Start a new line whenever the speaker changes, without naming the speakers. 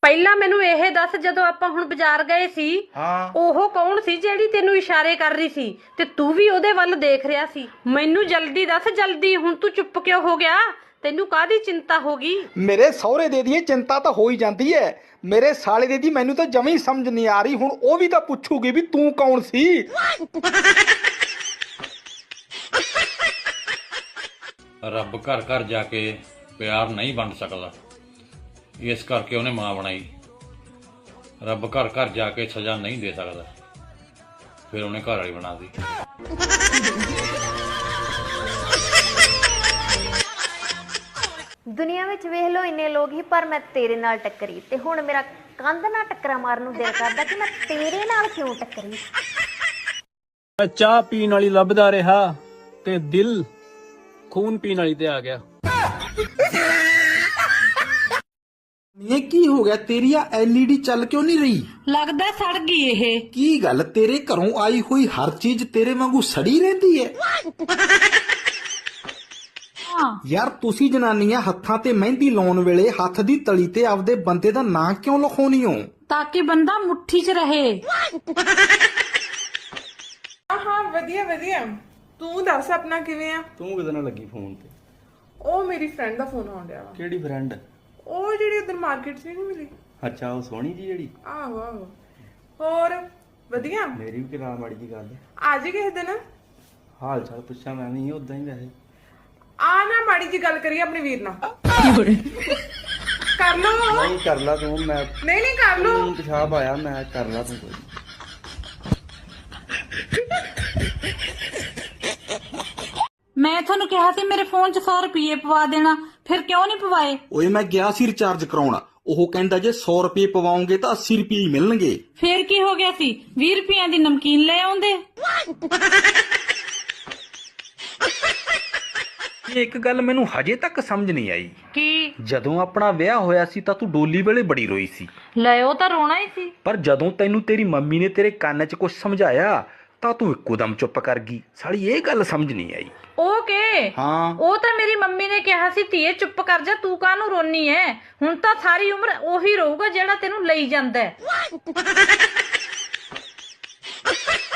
ਪਹਿਲਾਂ ਮੈਨੂੰ ਇਹ ਦੱਸ, ਜਦੋਂ ਆਪਾਂ ਹੁਣ ਬਾਜ਼ਾਰ ਗਏ ਸੀ, ਉਹ ਕੌਣ ਸੀ ਜਿਹੜੀ ਤੈਨੂੰ ਇਸ਼ਾਰੇ ਕਰ ਰਹੀ ਸੀ ਤੇ ਤੂੰ ਵੀ ਉਹਦੇ ਵੱਲ ਦੇਖ ਰਿਹਾ ਸੀ? ਮੈਨੂੰ ਜਲਦੀ ਦੱਸ, ਜਲਦੀ। ਹੁਣ ਤੂੰ ਚੁੱਪ ਕਿਉਂ ਹੋ ਗਿਆ? ਤੈਨੂੰ ਕਾਹਦੀ ਚਿੰਤਾ ਹੋ ਗਈ?
ਮੇਰੇ ਸਹੁਰੇ ਦੇ ਦੀ ਚਿੰਤਾ ਤਾਂ ਹੋ ਹੀ ਜਾਂਦੀ ਹੈ, ਮੇਰੇ ਸਾਲੇ ਦੇ ਦੀ ਮੈਨੂੰ ਤਾਂ ਜਮੀ ਸਮਝ ਨਹੀਂ ਆ ਰਹੀ। ਹੁਣ ਉਹ ਵੀ ਤਾਂ ਪੁੱਛੂਗੀ ਵੀ ਤੂੰ ਕੌਣ ਸੀ।
ਰੱਬ ਘਰ ਘਰ ਜਾ ਕੇ ਪਿਆਰ ਨਹੀਂ ਵੰਡ ਸਕਦਾ, ਇਸ ਕਰਕੇ ਉਹਨੇ ਮਾਂ ਬਣਾਈ। ਰੱਬ ਘਰ ਘਰ ਜਾ ਕੇ ਸਜ਼ਾ ਨਹੀਂ ਦੇ ਸਕਦਾ, ਫਿਰ ਉਹਨੇ ਘਰ ਵਾਲੀ ਬਣਾ ਦਿੱਤੀ।
ਦੁਨੀਆ ਵਿੱਚ ਵੇਖ ਲੋ ਇੰਨੇ ਲੋਕ ਹੀ, ਪਰ ਮੈਂ ਤੇਰੇ ਨਾਲ ਟੱਕਰੀ ਤੇ ਹੁਣ ਮੇਰਾ ਕੰਧ ਨਾਲ ਟੱਕਰਾਂ ਮਾਰਨ ਨੂੰ ਦਿਲ ਕਰਦਾ ਕਿ ਮੈਂ ਤੇਰੇ ਨਾਲ ਕਿਉਂ ਟੱਕਰੀ।
ਮੈਂ ਚਾਹ ਪੀਣ ਵਾਲੀ ਲੱਭਦਾ ਰਿਹਾ ਤੇ ਦਿਲ ਖੂਨ ਪੀਣ ਵਾਲੀ ਤੇ ਆ ਗਿਆ।
ਇਹ ਕੀ ਹੋ ਗਿਆ? ਤੇਰੀ ਆ LED ਚੱਲ ਕਿਉਂ ਨਹੀਂ ਰਹੀ?
ਲੱਗਦਾ ਸੜ ਗਈ ਇਹ।
ਕੀ ਗੱਲ, ਤੇਰੇ ਘਰੋਂ ਆਈ ਹੋਈ ਹਰ ਚੀਜ਼ ਤੇਰੇ ਵਾਂਗੂ ਸੜੀ ਰਹਿੰਦੀ ਹੈ? ਯਾਰ ਤੁਸੀਂ ਜਨਾਨੀਆਂ ਹੱਥਾਂ ਤੇ ਮਹਿੰਦੀ ਲਾਉਣ ਵੇਲੇ ਹੱਥ ਦੀ ਤਲੀ ਤੇ ਆਪਦੇ ਬੰਦੇ ਦਾ ਨਾਂ ਕਿਉਂ ਲਿਖਾਉਣੀ ਹੋ?
ਤਾਂ ਕਿ ਬੰਦਾ ਮੁੱਠੀ 'ਚ ਰਹੇ।
ਹਾਂ ਵਧੀਆ ਵਧੀਆ। ਤੂੰ ਦੱਸ ਆਪਣਾ ਕਿਵੇਂ ਆ?
ਤੂੰ ਕਿਹਦੇ ਨਾਲ ਲੱਗੀ ਫੋਨ ਤੇ?
ਉਹ ਮੇਰੀ ਫਰੈਂਡ ਦਾ ਫੋਨ ਆਉਣ ਡਿਆ ਵਾ।
ਕਿਹੜੀ ਫਰੈਂਡ?
ਉਹ ਜਿਹੜੀ ਉਧਰ ਮਾਰਕੀਟ 'ਚ ਨਹੀਂ ਮਿਲੀ।
ਅੱਛਾ, ਉਹ ਸੋਹਣੀ ਜੀ ਜਿਹੜੀ?
ਆਹੋ ਆਹੋ। ਹੋਰ ਵਧੀਆ?
ਮੇਰੀ ਵੀ ਕਿਰਾ ਮਾੜੀ ਜੀ ਗੱਲ।
ਆ ਜੀ ਕਿਸੇ ਦਿਨ।
ਹਾਲ ਚਾਲ ਪੁੱਛਾਂ ਮੈਂ ਵੀ ਉਦਾਂ ਹੀ ਵੈਸੇ।
ਆ ਨਾ ਮਾੜੀ ਜੀ ਗੱਲ ਕਰੀਏ ਆਪਣੇ ਵੀਰ ਨਾਲ। ਕਰ ਲੋ।
ਨਹੀਂ ਕਰ ਲਾ ਤੂੰ। ਮੈਂ
ਨਹੀਂ ਨਹੀਂ ਕਰ ਲੋ।
ਤੂੰ ਪਿਸ਼ਾਬ ਆਇਆ, ਮੈਂ ਕਰ ਲਾ ਤੂੰ ਕੋਈ।
ਮੈਂ ਤੁਹਾਨੂੰ ਕਿਹਾ ਸੀ ਮੇਰੇ ਫੋਨ 'ਚ 100 ਰੁਪਏ ਪਵਾ ਦੇਣਾ, ਫਿਰ ਕਿਉਂ ਨਹੀਂ ਪਵਾਏ?
ਓਏ ਮੈਂ ਗਿਆ ਸੀ ਰਿਚਾਰਜ ਕਰਾਉਣ, ਉਹ ਕਹਿੰਦਾ ਜੇ 100 ਰੁਪਏ ਪਵਾਉਂਗੇ ਤਾਂ 80 ਰੁਪਏ ਹੀ ਮਿਲਣਗੇ।
ਫਿਰ ਕੀ ਹੋ ਗਿਆ ਸੀ? 20 ਰੁਪਈਆਂ ਦੀ ਨਮਕੀਨ ਲੈ ਆਉਂਦੇ।
ਇੱਕ ਗੱਲ ਮੈਨੂੰ ਹਜੇ ਤੱਕ ਸਮਝ ਨਹੀਂ ਆਈ।
ਕੀ?
ਜਦੋਂ ਆਪਣਾ ਵਿਆਹ ਹੋਇਆ ਸੀ ਤਾਂ ਤੂੰ ਡੋਲੀ ਵੇਲੇ ਬੜੀ ਰੋਈ ਸੀ,
ਲੈ ਉਹ ਤਾਂ ਰੋਣਾ ਹੀ ਸੀ।
ਪਰ ਜਦੋਂ ਤੈਨੂੰ ਤੇਰੀ ਮੰਮੀ ਨੇ ਤੇਰੇ ਕੰਨ 'ਚ ਕੁਝ ਸਮਝਾਇਆ ਤਾਂ ਤੂੰ ਇੱਕੋ ਦਮ ਚੁੱਪ ਕਰ ਗਈ। ਸਾਲੀ ਇਹ ਗੱਲ ਸਮਝ ਨਹੀਂ ਆਈ।
ਉਹ ਕੇ?
ਹਾਂ,
ਉਹ ਤਾਂ ਮੇਰੀ ਮੰਮੀ ਨੇ ਕਿਹਾ ਸੀ ਧੀਏ ਚੁੱਪ ਕਰ ਜਾ, ਤੂੰ ਕਾਹਨੂੰ ਰੋਨੀ ਐ? ਹੁਣ ਤਾਂ ਸਾਰੀ ਉਮਰ ਉਹੀ ਰਹੂਗਾ ਜਿਹੜਾ ਤੈਨੂੰ ਲਈ ਜਾਂਦਾ ਹੈ।